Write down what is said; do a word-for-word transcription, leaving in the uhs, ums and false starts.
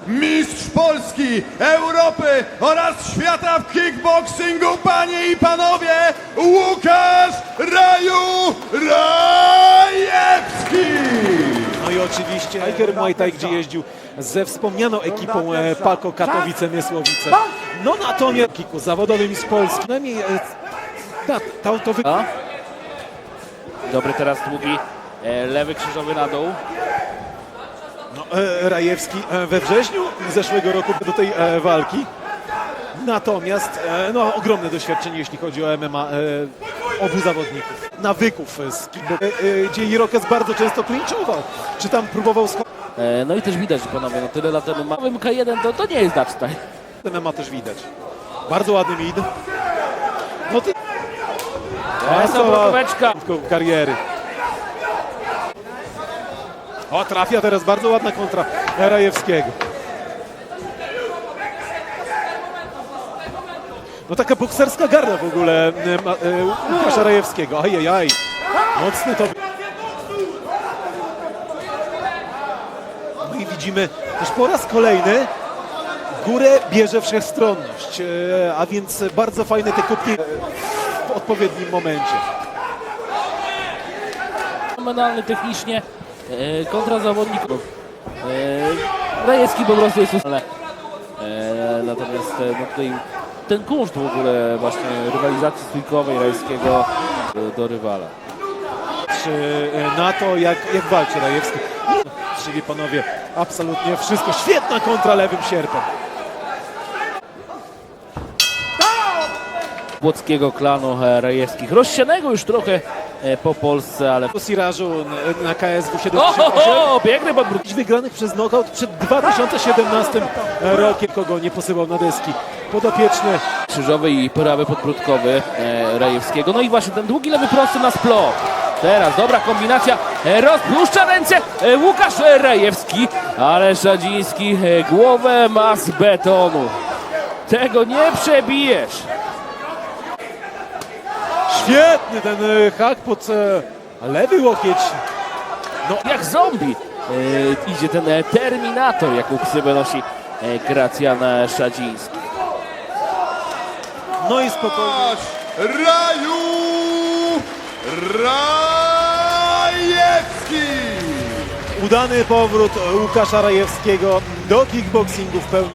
mistrz Polski, Europy oraz świata w kickboxingu, panie i panowie, Łukasz Raju Rajewski! No i oczywiście Tiger Muay Thai, gdzie jeździł ze wspomnianą ekipą e, Pako Katowice-Mysłowice. No natomiast kiku zawodowym z Polski. Przynajmniej e, ta, ta, to wy... A? Dobry teraz długi e, lewy krzyżowy na dół. no, e, Rajewski e, we wrześniu zeszłego roku do tej e, walki. Natomiast e, no, ogromne doświadczenie, jeśli chodzi o M M A e, obu zawodników. Nawyków z kickboxu, e, e, gdzie Irokez bardzo często klinczował. Czy tam próbował sk- E, no i też widać, że panowie, no tyle lat temu mamy K jeden, to, to nie jest Dutch Style. M M A też widać. Bardzo ładny mid. No ty... Esa brokóweczka. kariery. O, trafia teraz bardzo ładna kontra Rajewskiego. No taka bokserska garda w ogóle e, ma- e, Łukasza Rajewskiego. Ajajaj. Mocne to. No i widzimy też po raz kolejny górę bierze wszechstronność, e, a więc bardzo fajne te kubki w odpowiednim momencie. Fenomenalny technicznie e, kontra zawodników. E, Rajewski po prostu jest ale, e, natomiast e, no tutaj ten kunszt w ogóle właśnie rywalizacji stójkowej Rajewskiego e, do rywala. Czy e, na to, jak, jak walczy Rajewski. Czyli panowie, absolutnie wszystko. Świetna kontra lewym sierpem. Płockiego klanu e, Rajewskich. Rozsianego już trochę e, po Polsce, ale... Po Sirażu na K S W O, siedemdziesiąt o, osiem. o, piękny podbród. Wygranych przez knockout przed dwa tysiące siedemnastym rokiem. Kogo nie posyłał na deski. Podopieczny. Krzyżowy i prawy podbródkowy e, Rajewskiego. No i właśnie ten długi lewy prosty na splot. Teraz dobra kombinacja. E, rozpuszcza ręce e, Łukasz e, Rajewski, ale Szadziński e, głowę ma z betonu. Tego nie przebijesz. Świetny ten e, hak pod e, lewy łokieć. No jak zombie e, idzie ten e, Terminator, jaką ksywę nosi e, Gracjan e, Szadziński. No i spokojnie. Łukasz Raju Rajewski! Udany powrót Łukasza Rajewskiego do kickboxingu w pełni.